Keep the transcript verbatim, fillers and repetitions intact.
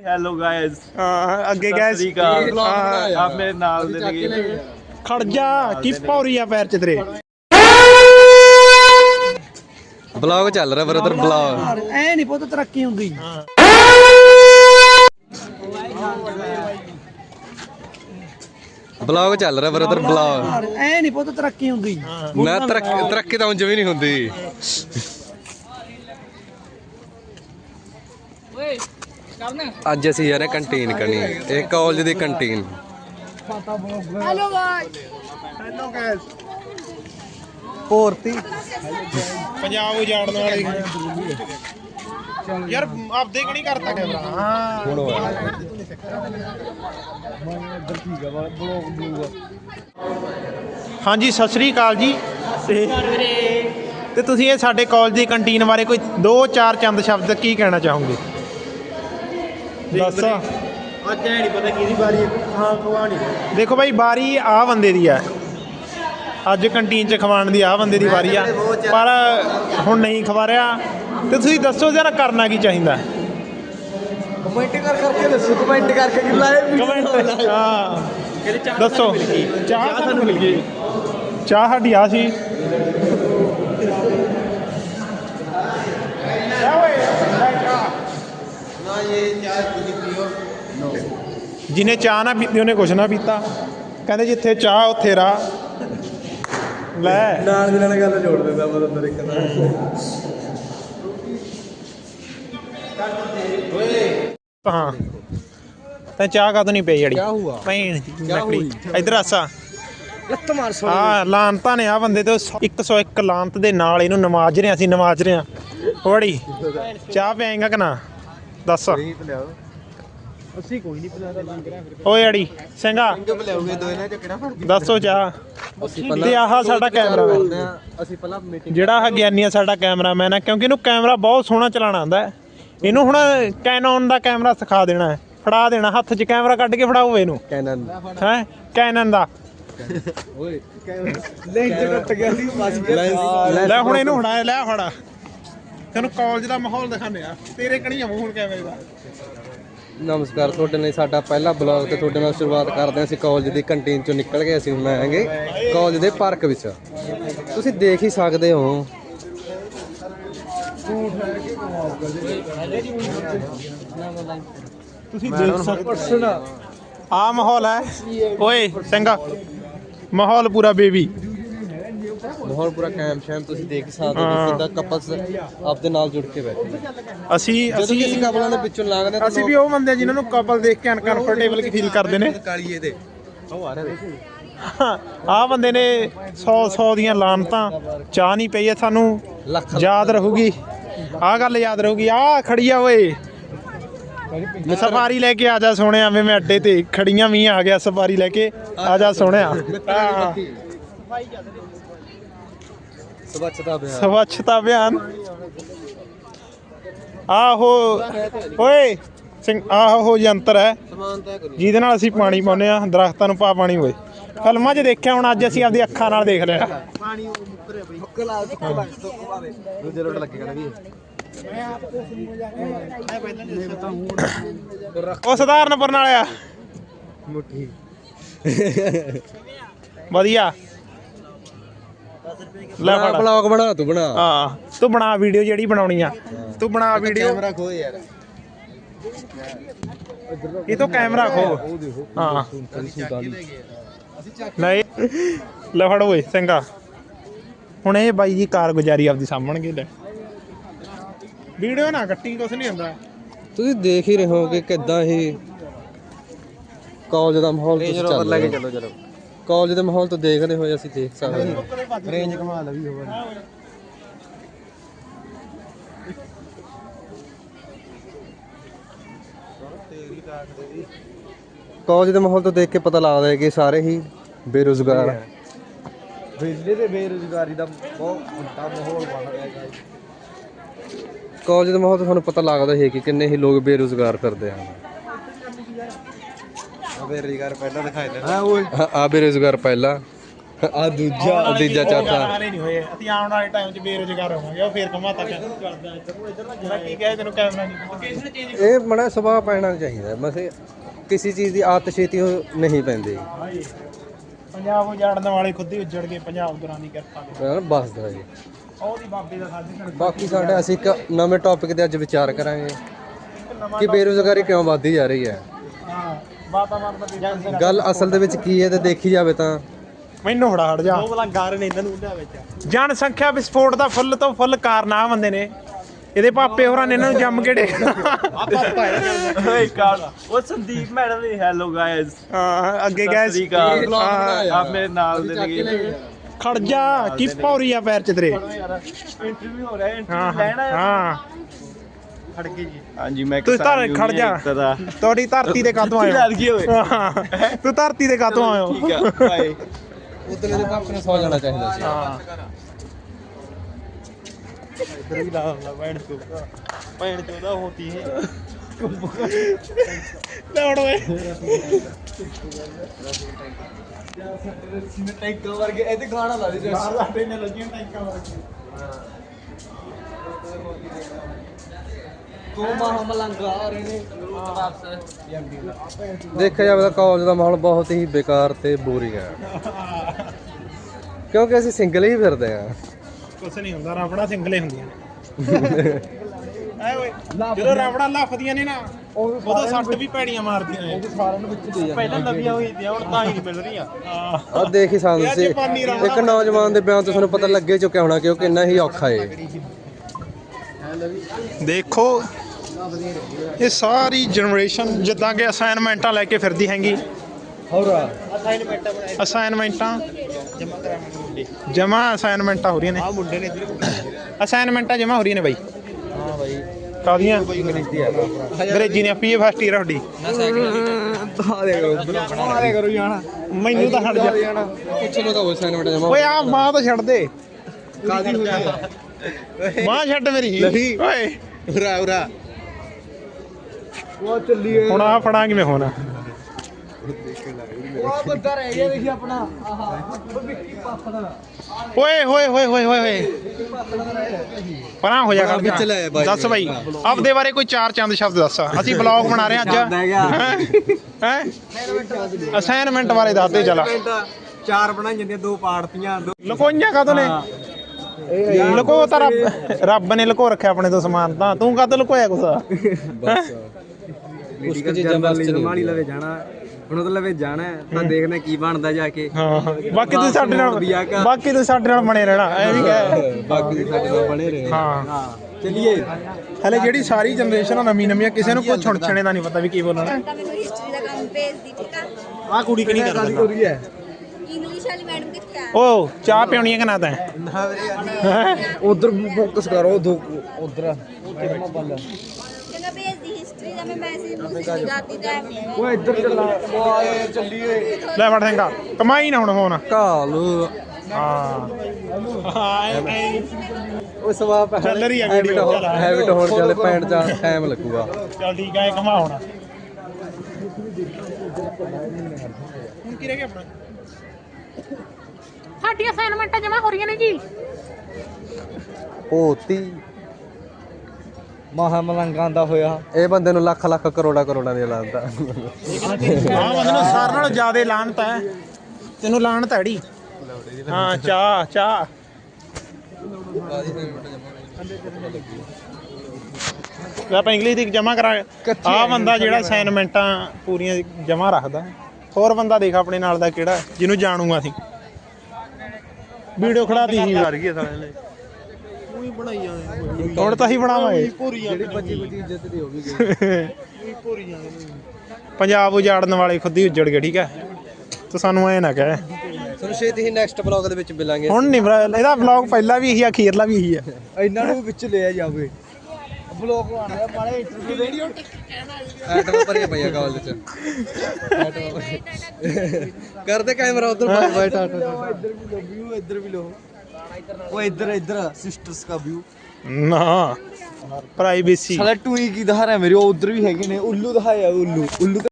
Hello guys. ਹਾਂ ਅੱਗੇ guys ਆਪ ਮੇਰੇ ਨਾਲ ਦੇ ਨੇ। ਖੜ ਜਾ ਕੀ ਪੌਰੀ ਆ ਪੈਰ ਚ ਤੇਰੇ। ਬਲੌਗ ਚੱਲ ਰਿਹਾ ਬਰਦਰ ਬਲੌਗ। ਐ ਨਹੀਂ ਪੁੱਤ ਤਰੱਕੀ ਹੁੰਦੀ। ਬਲੌਗ ਚੱਲ ਰਿਹਾ ਬਰਦਰ ਬਲੌਗ। ਐ ਨਹੀਂ ਪੁੱਤ ਤਰੱਕੀ ਹੁੰਦੀ। ਨਾ ਤਰੱਕੀ ਤਰੱਕੀ ਤਾਂ ਉਂਝ ਵੀ ਨਹੀਂ ਹੁੰਦੀ। ਅੱਜ ਅਸੀਂ ਯਾਰ ਕੰਟੀਨ ਕਰਨੀ ਇਹ ਕਾਲਜ ਦੀ canteen. Hello guys hello guys ਪੋਰਤੀ ਪੰਜਾਬ ਉਜਾੜਨ ਵਾਲੇ ਯਾਰ ਆਪਦੇ ਕਿ ਨਹੀਂ ਕਰਤਾ ਕੈਮਰਾ। ਹਾਂ ਹੁਣ ਹਾਂਜੀ ਸਤਿ ਸ੍ਰੀ ਅਕਾਲ ਜੀ। ਤੇ ਤੇ ਤੁਸੀਂ ਇਹ ਸਾਡੇ ਕਾਲਜ ਦੀ ਕੰਟੀਨ ਬਾਰੇ ਕੋਈ ਦੋ ਚਾਰ ਚੰਦ ਸ਼ਬਦ ਕੀ ਕਹਿਣਾ ਚਾਹੋਗੇ? ਦੱਸ। ਅੱਜ ਐ ਨਹੀਂ ਪਤਾ ਕਿਹਦੀ ਵਾਰੀ ਹਾਂ ਖਵਾਣੀ। ਦੇਖੋ ਬਾਈ ਵਾਰੀ ਆਹ ਬੰਦੇ ਦੀ ਆ ਅੱਜ ਕੰਟੀਨ 'ਚ ਖਵਾਉਣ ਦੀ। ਆਹ ਬੰਦੇ ਦੀ ਵਾਰੀ ਆ ਪਰ ਹੁਣ ਨਹੀਂ ਖਵਾ ਰਿਹਾ। ਤੇ ਤੁਸੀਂ ਦੱਸੋ ਜਰਾ ਕਰਨਾ ਕੀ ਚਾਹੀਦਾ? ਕਮੈਂਟ ਕਰ ਕਰਕੇ ਦੱਸੋ। ਕਮੈਂਟ ਕਰਕੇ ਕਿ ਲਾਈਵ ਕਮੈਂਟ ਹਾਂ ਦੱਸੋ। ਚਾਹ ਸਾਨੂੰ ਮਿਲ ਗਈ। ਚਾਹ ਸਾਡੀ ਆ ਸੀ। ਜਿਹਨੇ ਚਾਹ ਨਾ ਪੀਤੀ ਉਹਨੇ ਕੁਛ ਨਾ ਪੀਤਾ। ਕਹਿੰਦੇ ਜਿੱਥੇ ਚਾਹ ਉੱਥੇ ਰਾਹ। ਲੈ ਨਾਲ ਦੀ ਨਾਲ ਗੱਲ ਜੋੜ ਦਿੰਦਾ ਮੈਂ ਅੰਦਰ ਇੱਕ ਹਾਂ ਤੇ ਚਾਹ ਕਦੋਂ ਨਹੀਂ ਪਈ ਜੜੀ ਭੈਣ ਲੱਕੜੀ ਇਧਰ ਆਸਾ ਲੱਤ ਮਾਰ ਸੋ। ਹਾਂ ਲਾਂਤਾਂ ਨੇ ਆ ਬੰਦੇ ਤੋਂ ਇੱਕ ਸੌ ਇੱਕ ਲਾਂਤ ਦੇ ਨਾਲ ਇਹਨੂੰ ਨਵਾਜ ਰਹੇ ਅਸੀਂ ਨਵਾਜ ਰਹੇ ਹਾਂ। ਹੋੜੀ ਚਾਹ ਪਿਆਏਗਾ ਕਿ ਨਾ ਦੱਸ। ਅਸੀਂ ਕੋਈ ਨਹੀਂ ਪਿਲਾਦਾ। ਓਏ ਅੜੀ ਸਿੰਘਾ ਬੁਲਾਉਗੇ ਦੋ ਇਹਨਾਂ ਚ ਕਿਹੜਾ ਫਰਕ। ਦੱਸੋ ਚਾਹ। ਤੇ ਆਹ ਸਾਡਾ ਕੈਮਰਾਮੈਨ ਅਸੀਂ ਪਹਿਲਾਂ ਮੀਟਿੰਗ ਜਿਹੜਾ ਆ ਗਿਆਨੀ ਆ ਸਾਡਾ ਕੈਮਰਾਮੈਨ ਆ ਕਿਉਂਕਿ ਇਹਨੂੰ ਕੈਮਰਾ ਬਹੁਤ ਸੋਹਣਾ ਚਲਾਉਣਾ ਆਉਂਦਾ। ਇਹਨੂੰ ਹੁਣ ਕੈਨਨ ਦਾ ਕੈਮਰਾ ਸਿਖਾ ਦੇਣਾ ਹੈ। ਫੜਾ ਦੇਣਾ ਹੱਥ 'ਚ ਕੈਮਰਾ ਕੱਢ ਕੇ ਫੜਾਓ ਇਹਨੂੰ। ਕੈਨਨ ਹੈ ਕੈਨਨ ਦਾ ਓਏ ਲੈਂਜ ਕੱਟ ਗਿਆ ਸੀ ਬਸ ਗਿਆ। ਲੈ ਹੁਣ ਇਹਨੂੰ ਫੜਾ ਲੈ ਫੜਾ ਤੈਨੂੰ ਕਾਲਜ ਦਾ ਮਾਹੌਲ ਦਿਖਾਣੇ ਆ। ਤੇਰੇ ਕਣੀ ਆਉਂ ਹੁਣ ਕੈਮਰੇ ਦਾ। ਨਮਸਕਾਰ ਤੁਹਾਡੇ ਲਈ ਸਾਡਾ ਪਹਿਲਾ ਬਲੌਗ ਤੇ ਤੁਹਾਡੇ ਨਾਲ ਸ਼ੁਰੂਆਤ ਕਰਦੇ ਹਾਂ। ਅਸੀਂ ਕਾਲਜ ਦੀ ਕੰਟੀਨ ਚੋਂ ਨਿਕਲ ਕੇ ਅਸੀਂ ਹੁਣ ਆਏਗੇ ਕਾਲਜ ਦੇ ਪਾਰਕ ਵਿੱਚ। ਤੁਸੀਂ ਦੇਖ ਹੀ ਸਕਦੇ ਹੋ ਤੁਸੀਂ ਦੇਖ ਸਕਦੇ ਹੋ ਆ ਮਾਹੌਲ ਹੈ। ਓਏ ਸਿੰਘਾ ਮਾਹੌਲ ਪੂਰਾ ਬੇਬੀ ਮਾਹੌਲ ਪੂਰਾ ਕੈਮ ਸ਼ੈਮ ਤੁਸੀਂ ਦੇਖ ਸਕਦੇ ਹੋ ਕਿੱਦਾਂ ਕਪਲਸ ਆਪਦੇ ਨਾਲ ਜੁੜ ਕੇ ਬੈਠੇ। ਅਸੀਂ ਅਸੀਂ ਕਿਸੇ ਕਪਲਾਂ ਦੇ ਵਿੱਚੋਂ ਲੰਘਦੇ ਅਸੀਂ ਵੀ ਉਹ ਬੰਦੇ ਜਿਨ੍ਹਾਂ ਨੂੰ ਕਪਲ ਦੇਖ ਕੇ ਅਨਕੰਫਰਟੇਬਲ ਫੀਲ ਕਰਦੇ ਨੇ। ਕਾਲੀਏ ਦੇ ਉਹ ਆ ਰਹੇ ਆਹ ਬੰਦੇ ਨੇ ਸੌ ਸੌ ਦੀਆਂ ਲਾਨਤਾਂ। ਚਾਹ ਨਹੀਂ ਪਈ ਹੈ ਸਾਨੂੰ ਯਾਦ ਰਹੂਗੀ। ਆਹ ਗੱਲ ਯਾਦ ਰਹੂਗੀ। ਆਹ ਖੜੀ ਆ ਓਏ ਸਫਾਰੀ ਲੈ ਕੇ ਆ ਜਾ ਸੋਹਣਿਆ। ਮੈਂ ਅੱਡੇ ਤੇ ਖੜੀਆਂ ਵੀ ਆ ਗਿਆ ਸਫਾਰੀ ਲੈ ਕੇ ਆ ਜਾ ਸੋਹਣਿਆ। ਸਵੱਛਤਾ ਅਭਿਆਨ ਸਵੱਛਤਾ ਅਭਿਆਨ ਆਹੋ ਓਏ ਸਿੰਘ ਆਹੋ ਯੰਤਰ ਹੈ ਜਿਹਦੇ ਨਾਲ ਅਸੀਂ ਪਾਣੀ ਪਾਉਂਦੇ ਆ ਦਰਖਤਾਂ ਨੂੰ। ਪਾ ਪਾਣੀ ਓਏ ਫਿਲਮਾਂ 'ਚ ਦੇਖਿਆ ਹੁਣ ਅੱਜ ਅਸੀਂ ਆਪਦੀ ਅੱਖਾਂ ਨਾਲ ਦੇਖ ਲਿਆ। ਦੂਜੇ ਰੋਡ ਲੱਗੇਗਾ ਵੀ ਉਹ ਸਧਾਰਨਪੁਰ ਨਾਲ ਆ ਮੁੱਠੀ ਵਧੀਆ। ਲੈ ਫੜ ਬਲੌਗ ਬਣਾ ਤੂੰ ਬਣਾ। ਹਾਂ ਤੂੰ ਬਣਾ ਵੀਡੀਓ ਜਿਹੜੀ ਬਣਾਉਣੀ ਆ ਤੂੰ ਬਣਾ ਵੀਡੀਓ। ਕੈਮਰਾ ਖੋ ਯਾਰ ਇਹ ਤੋਂ ਕੈਮਰਾ ਖੋ। ਹਾਂ ਲੈ ਲੈ ਫੜ ਓਏ ਸਿੰਘਾ। ਹੁਣ ਇਹ ਬਾਈ ਜੀ ਕਾਰਗੁਜ਼ਾਰੀ ਆਪਦੀ ਸਾਂਭਣਗੇ। ਲੈ ਵੀਡੀਓ ਨਾ ਕੱਟੀ ਕੁਛ ਨਹੀਂ ਹੁੰਦਾ। ਤੁਸੀਂ ਦੇਖ ਹੀ ਰਹੇ ਹੋ ਕਿ ਕਿੱਦਾਂ ਇਹ ਕਾਲਜ ਦਾ ਮਾਹੌਲ ਤੁਸੀਂ ਚੱਲ ਲੈ ਕੇ ਚੱਲੋ ਚਲੋ ਕਾਲਜ ਦੇ ਮਾਹੌਲ ਤੋਂ ਦੇਖਦੇ ਹੋਏ ਅਸੀਂ ਦੇਖ ਸਕਦੇ ਹਾਂ। ਰੇਂਜ ਕਮਾ ਲਵੀ ਹੋਰ ਕਾਲਜ ਦੇ ਮਾਹੌਲ ਤੋਂ ਦੇਖ ਕੇ ਪਤਾ ਲੱਗਦਾ ਹੈ ਕਿ ਸਾਰੇ ਹੀ ਬੇਰੁਜ਼ਗਾਰ। ਬਿਜਲੀ ਤੇ ਬੇਰੁਜ਼ਗਾਰੀ ਦਾ ਬਹੁਤ ਵੱਡਾ ਮਾਹੌਲ ਬਣ ਰਿਹਾ ਹੈ। ਕਾਲਜ ਦੇ ਮਾਹੌਲ ਤੋਂ ਤੁਹਾਨੂੰ ਪਤਾ ਲੱਗਦਾ ਹੈ ਕਿ ਕਿੰਨੇ ਹੀ ਲੋਕ ਬੇਰੁਜ਼ਗਾਰ ਫਿਰਦੇ ਹਨ। ਬੇਰੁਜ਼ਗਾਰ ਪਹਿਲਾਂ ਦਿਖਾਈ ਦੇਣਾ ਓਏ ਆ ਬੇਰੁਜ਼ਗਾਰ ਪਹਿਲਾਂ ਆ ਦੂਜਾ ਤੀਜਾ ਚੌਥਾ ਹਾਲੇ ਨਹੀਂ ਹੋਏ ਅਸੀਂ ਆਉਣ ਵਾਲੇ ਟਾਈਮ 'ਚ ਬੇਰੁਜ਼ਗਾਰ ਹੋਵਾਂਗੇ ਉਹ ਫੇਰ ਕਮਾ ਤੱਕ ਕਰਦਾ ਇੱਧਰ ਮੈਂ ਕੀ ਕਹੇ ਤੈਨੂੰ ਕੈਮਰਾ ਨਹੀਂ ਲੋਕੇਸ਼ਨ ਚੇਂਜ ਇਹ ਮੜਾ ਸੁਭਾਅ ਪੈਣਾ ਚਾਹੀਦਾ ਬਸ ਕਿਸੇ ਚੀਜ਼ ਦੀ ਆਦਤ ਛੇਤੀ ਉਹ ਨਹੀਂ ਪੈਂਦੀ ਪੰਜਾਬ ਉਜਾੜਨ ਵਾਲੇ ਖੁਦ ਹੀ ਉੱਜੜ ਗਏ ਪੰਜਾਬ ਗੁਰਾਂ ਦੀ ਕਿਰਪਾ ਮੈਂ ਬਸ ਦਾ ਜੀ ਉਹਦੀ ਬਾਬੇ ਦਾ ਸਾਡੇ ਬਾਕੀ ਸਾਡੇ ਅਸੀਂ ਇੱਕ ਨਵੇਂ ਟੌਪਿਕ ਤੇ ਅੱਜ ਵਿਚਾਰ ਕਰਾਂਗੇ ਕਿ ਬੇਰੁਜ਼ਗਾਰੀ ਕਿਉਂ ਵੱਧਦੀ ਜਾ ਰਹੀ ਹੈ ਹਾਂ ਵਾਤਾਵਰਨ ਦਾ ਗੱਲ ਅਸਲ ਦੇ ਵਿੱਚ ਕੀ ਹੈ ਤੇ ਦੇਖੀ ਜਾਵੇ ਤਾਂ ਮੈਨੂੰ ਫੜਾ ਹਟ ਜਾ ਉਹ ਬਲਾ ਗਾਰ ਨੇ ਇਹਨਾਂ ਨੂੰ ਉਹਨਾਂ ਵਿੱਚ ਜਨਸੰਖਿਆ ਵਿਸਫੋਟ ਦਾ ਫੁੱਲ ਤੋਂ ਫੁੱਲ ਕਾਰਨ ਆ ਬੰਦੇ ਨੇ ਇਹਦੇ ਪਾਪੇ ਹੋਰਾਂ ਨੇ ਇਹਨਾਂ ਨੂੰ ਜੰਮ ਕੇ ਡੇ ਆ ਪਾਪਾ ਹੈ ਓਏ ਕਾਲ ਉਹ ਸੰਦੀਪ ਮੈਡਮ ਦੀ ਹੈਲੋ ਗਾਇਸ ਹਾਂ ਅੱਗੇ ਗਏ ਆ ਮੇਰੇ ਨਾਲ ਦੇ ਲੱਗੇ ਖੜ ਜਾ ਕੀ ਪੌਰੀ ਆ ਪੈਰ ਚ ਤੇਰੇ ਇੰਟਰਵਿਊ ਹੋ ਰਿਹਾ ਹਾਂ ਇੰਟਰਵਿਊ ਲੈਣਾ ਹਾਂ ਖੜ ਕੇ ਜੀ ਹਾਂਜੀ ਮੈਂ ਤੂੰ ਧਰ ਖੜ ਜਾ ਤੁਹਾਡੀ ਧਰਤੀ ਤੇ ਕਾਤੋਂ ਆਏ ਹੋ ਹਾਂ, ਤੂੰ ਧਰਤੀ ਤੇ ਕਾਤੋਂ ਆਏ ਹੋ ਠੀਕ ਆ ਬਾਏ ਉਦੋਂ ਦੇ ਪਾਪੇ ਨੂੰ ਸੌ ਜਾਣਾ ਚਾਹੀਦਾ ਸੀ ਹਾਂ ਇਧਰ ਵੀ ਲਾ ਲਾ ਪੈਣ ਤੋਂ ਪੈਣ ਤੋਂ ਦਾ ਹੋਤੀ ਹੈ ਦੌੜ ਓਏ ਟੈਂਕ ਵਰਗੇ ਇਹਦੇ ਗਾਣਾ ਲਾ ਦੇ ਬਾਹਰ ਲਾਟੇ ਨੇ ਲੱਗੀਆਂ ਟੈਂਕਾਂ ਵਰਗੀਆਂ ਤੂੰ ਮਾਹ ਮਲੰਗਾ ਆ ਰਹੇ ਨੇ ਦੇਖਿਆ ਜਾਵੇ ਤਾਂ ਕਾਲਜ ਦਾ ਮਾਹੌਲ ਬਹੁਤ ਹੀ ਬੇਕਾਰ ਤੇ ਬੋਰਿੰਗ ਹੈ ਕਿਉਂਕਿ ਅਸੀਂ ਸਿੰਗਲ ਹੀ ਫਿਰਦੇ ਆ ਕੁਛ ਨਹੀਂ ਹੁੰਦਾ ਰਾਵੜਾ ਸਿੰਗਲੇ ਹੁੰਦੀਆਂ ਨੇ ਐ ਓਏ ਜਦੋਂ ਰਾਵੜਾ ਲੱਫਦੀਆਂ ਨੇ ਨਾ ਉਦੋਂ ਸੱਟ ਵੀ ਪੈੜੀਆਂ ਮਾਰਦੀਆਂ ਨੇ ਸਾਰਿਆਂ ਨੂੰ ਵਿੱਚ ਦੇ ਪਹਿਲਾਂ ਨਵੀਆਂ ਹੋਈ ਦੀਆਂ ਹੁਣ ਤਾਂ ਹੀ ਨਹੀਂ ਮਿਲ ਰਹੀਆਂ ਆ ਦੇਖ ਹੀ ਸਕਦੇ ਸੀ ਇੱਕ ਨੌਜਵਾਨ ਦੇ ਬਿਆਨ ਤੋਂ ਤੁਹਾਨੂੰ ਪਤਾ ਲੱਗੇ ਚੁੱਕਿਆ ਹੋਣਾ ਕਿ ਉਹ ਕਿੰਨਾ ਹੀ ਔਖਾ ਏ ਦੇਖੋ ਇਹ ਸਾਰੀ ਜਨਰੇਸ਼ਨ ਜਿੱਦਾਂ ਕਿ ਅਸਾਈਨਮੈਂਟਾਂ ਲੈ ਕੇ ਫਿਰਦੀ ਹੈਗੀ ਹੋਰ ਅਸਾਈਨਮੈਂਟਾਂ ਜਮਾ ਅਸਾਈਨਮੈਂਟਾਂ ਹੋ ਰਹੀਆਂ ਨੇ ਆ ਮੁੰਡੇ ਨੇ ਇੱਧਰ ਅਸਾਈਨਮੈਂਟਾਂ ਜਮਾ ਹੋ ਰਹੀਆਂ ਨੇ ਬਾਈ ਹਾਂ ਬਾਈ ਕਾਦੀਆਂ ਅੰਗਰੇਜ਼ੀ ਆ ਅੰਗਰੇਜ਼ੀ ਨੇ ਪੀਏ ਫਸਟ ਈਅਰ ਤੁਹਾਡੀ ਬਣਾ ਦੇ ਕਰੋ ਬਣਾ ਦੇ ਕਰੋ ਜਾਣਾ ਮੈਨੂੰ ਤਾਂ ਹਟ ਜਾ ਪੁੱਛ ਲੋ ਤਾਂ ਉਹ ਅਸਾਈਨਮੈਂਟ ਜਮਾ ਓਏ ਆ ਮਾਂ ਤਾਂ ਛੱਡ ਦੇ ਕਾਦੀ ਹੋ ਜਾ ਮਾਂ ਛੱਡ ਮੇਰੀ ਨਹੀਂ। ਓਏ ਉਰਾ ਉਰਾ ਉਹ ਚੱਲੀਏ ਹੁਣ ਆ ਫੜਾਂ ਕਿਵੇਂ ਹੋਣਾ ਉਹ ਬੰਦਾ ਰਹਿ ਗਿਆ ਦੇਖੀ ਆਪਣਾ ਆਹਾ ਉਹ ਵਿੱਕੀ ਪਾਪਾ ਦਾ ਓਏ ਹੋਏ ਹੋਏ ਹੋਏ ਹੋਏ ਹੋਏ ਪਰਾਂ ਹੋ ਜਾ ਗੱਲ ਵਿੱਚ ਲੈ ਆ ਬਾਈ। ਦੱਸ ਬਾਈ ਆਪਦੇ ਬਾਰੇ ਕੋਈ ਚਾਰ ਚੰਦ ਸ਼ਬਦ ਦੱਸ ਅਸੀਂ ਬਲੌਗ ਬਣਾ ਰਹੇ ਹਾਂ ਅੱਜ ਹੈ ਅਸਾਈਨਮੈਂਟ ਬਾਰੇ ਦੱਸ ਦੇ ਚਲਾ ਚਾਰ ਬਣਾਈ ਜਾਂਦੀਆਂ ਦੋ ਪਾੜਤੀਆਂ ਦੋ ਲਕੋਈਆਂ ਕਾਹਤੋਂ ਨੇ ਲਕੋ ਤਾਂ ਰੱਬ ਰੱਬ ਨੇ ਲਕੋ ਰੱਖਿਆ ਆਪਣੇ ਤੋਂ ਸਮਾਨ ਤਾਂ ਤੂੰ ਕਾਹਤੋਂ ਲਕੋਇਆ ਕੁਛ ਬਸ ਮੈਡੀਕਲ ਜਰਨਲਿਜ਼ਮ ਮਾਲੀ ਲਵੇ ਜਾਣਾ ਹੁਣ ਉਹਦੇ ਲਵੇ ਜਾਣਾ ਤਾਂ ਦੇਖਣਾ ਕੀ ਬਣਦਾ ਜਾ ਕੇ ਹਾਂ ਬਾਕੀ ਤੁਸੀਂ ਸਾਡੇ ਨਾਲ ਬਾਕੀ ਤੁਸੀਂ ਸਾਡੇ ਨਾਲ ਬਣੇ ਰਹਿਣਾ ਐ ਵੀ ਕਹਿ ਬਾਕੀ ਸਾਡੇ ਨਾਲ ਬਣੇ ਰਹੇ ਹਾਂ ਹਾਂ ਚੱਲੀਏ ਹਲੇ ਜਿਹੜੀ ਸਾਰੀ ਜਨਰੇਸ਼ਨ ਆ ਨਵੀਂ ਨਵੀਆਂ ਕਿਸੇ ਨੂੰ ਕੁਝ ਛੁਣਛਣੇ ਦਾ ਨਹੀਂ ਪਤਾ ਵੀ ਕੀ ਬੋਲਣਾ ਤਾਂ ਮੈਨੂੰ ਹਿਸਟਰੀ ਦਾ ਕੰਮ ਭੇਜਦੀ ਠੀਕ ਆ ਆ ਕੁੜੀ ਕਿ ਨਹੀਂ ਕਰਦਾ ਰਹੀ ਹੈ ਇੰਗਲਿਸ਼ ਵਾਲੀ ਮੈਡਮ ਕਿੱਥੇ ਆ ਓ ਚਾਹ ਪਿਉਣੀ ਹੈ ਕਿ ਨਾ ਤੈਂ ਉਧਰ ਫੋਕਸ ਕਰੋ ਦੋ ਉਧਰ ਕਹਿੰਦਾ ਭੇਜਦੀ ਹਿਸਟਰੀ ਦਾ ਮੈਂ ਮੈਸੇਜ ਮੈਸੇਜ ਕਰਦੀ ਤਾਂ ਓਏ ਇੱਧਰ ਚੱਲਾ ਓਏ ਚੱਲੀਏ ਲੈ ਫੜ ਸਿੰਘਾ ਕਮਾਈ ਨਾ ਹੁਣ ਫੋਨ ਕਾਲੂ ਹਾਂ ਹਾਂ ਉਹ ਸਵਾਪ ਚੱਲ ਰਹੀ ਆ ਵੀਡੀਓ ਚੱਲ ਹੈਬਿਟ ਹੋਣ ਚੱਲੇ ਪੈਂਟ ਚ ਟਾਈਮ ਲੱਗੂਗਾ ਚੱਲ ਠੀਕ ਆ ਇਹ ਕਮਾ ਹੁਣ ਹੁਣ ਕੀ ਰਹਿ ਗਿਆ ਆਪਣਾ ਸਾਡੀਆਂ ਅਸਾਈਨਮੈਂਟਾਂ ਜਮਾ ਹੋ ਰਹੀਆਂ ਨੇ ਜੀ ਹੋਤੀ ਮਹਾ ਮਲੰਗਾਂ ਦਾ ਹੋਇਆ ਇਹ ਬੰਦੇ ਨੂੰ ਲੱਖ ਲੱਖ ਕਰੋੜਾ ਕਰੋੜਾਂ ਦੀ ਲਾਂਤਾ ਹਾਂ ਬੰਦੇ ਨੂੰ ਸਾਰਿਆਂ ਨਾਲੋਂ ਜ਼ਿਆਦਾ ਲਾਹਨਤ ਹੈ ਤੈਨੂੰ ਲਾਹਨਤ ਹੈ ੜੀ ਹਾਂ ਚਾਹ ਚਾਹ ਆਪਾਂ ਇੰਗਲਿਸ਼ ਦੀ ਜਮਾ ਕਰਾ ਆ ਬੰਦਾ ਜਿਹੜਾ ਅਸਾਈਨਮੈਂਟਾਂ ਪੂਰੀਆਂ ਜਮਾ ਰੱਖਦਾ ਹੋਰ ਬੰਦਾ ਦੇਖ ਆਪਣੇ ਨਾਲ ਦਾ ਕਿਹੜਾ ਜਿਹਨੂੰ ਜਾਣੂਗਾ ਅਸੀਂ ਵੀਡੀਓ ਖੜਾਤੀ ਸੀ ਕਰ ਗਈ ਸਾਲੇ ਨੇ ਉਹੀ ਬਣਾਈ ਜਾਂਦੇ ਹੁਣ ਤਾਂ ਹੀ ਬਣਾਵਾਂਗੇ ਜਿਹੜੀ ਬੱਚੀ ਬੱਚੀ ਇੱਜ਼ਤ ਦੀ ਹੋ ਗਈ ਪੰਜਾਬ ਉਜਾੜਨ ਵਾਲੇ ਖੁਦ ਹੀ ਉੱਜੜ ਗਏ ਠੀਕ ਹੈ ਤੂੰ ਸਾਨੂੰ ਐ ਨਾ ਕਹਿ ਤੁਹਾਨੂੰ ਛੇਤੀ ਹੀ ਨੈਕਸਟ ਬਲੌਗ ਦੇ ਵਿੱਚ ਮਿਲਾਂਗੇ ਹੁਣ ਨਹੀਂ ਇਹਦਾ ਵਲੌਗ ਪਹਿਲਾਂ ਵੀ ਇਹੀ ਆ ਅਖੀਰਲਾ ਵੀ ਇਹੀ ਆ ਇਹਨਾਂ ਨੂੰ ਵਿੱਚ ਲਿਆ ਜਾਵੇ ਬਲੌਗ ਬਣ ਰਿਹਾ ਮਾੜੇ ਇੰਟਰਵਿਊ ਵੀਡੀਓ ਐਟਮ ਭਰੀਆਂ ਪਈਆਂ ਕਾਲਜ ਚ ਐਟਮ ਕਰਦੇ ਕੈਮਰਾ ਉਧਰ ਬਾਈ ਬਾਈ ਟਾਟਾ ਇੱਧਰ ਵੀ ਲੋ ਵਿਊ ਇੱਧਰ ਵੀ ਲੋ ਉਹ ਇੱਧਰ ਇੱਧਰ ਸਿਸਟਰਸ ਦਾ ਵਿਊ ਨਾ ਪ੍ਰਾਈਵੇਸੀ ਸਾਲਾ ਟੂਈ ਕੀ ਦਿਖਾ ਰਿਹਾ ਮੇਰੇ ਉਹ ਉਧਰ ਵੀ ਹੈਗੇ ਨੇ ਉੱਲੂ ਦਿਖਾਇਆ ਉੱਲੂ ਉੱਲੂ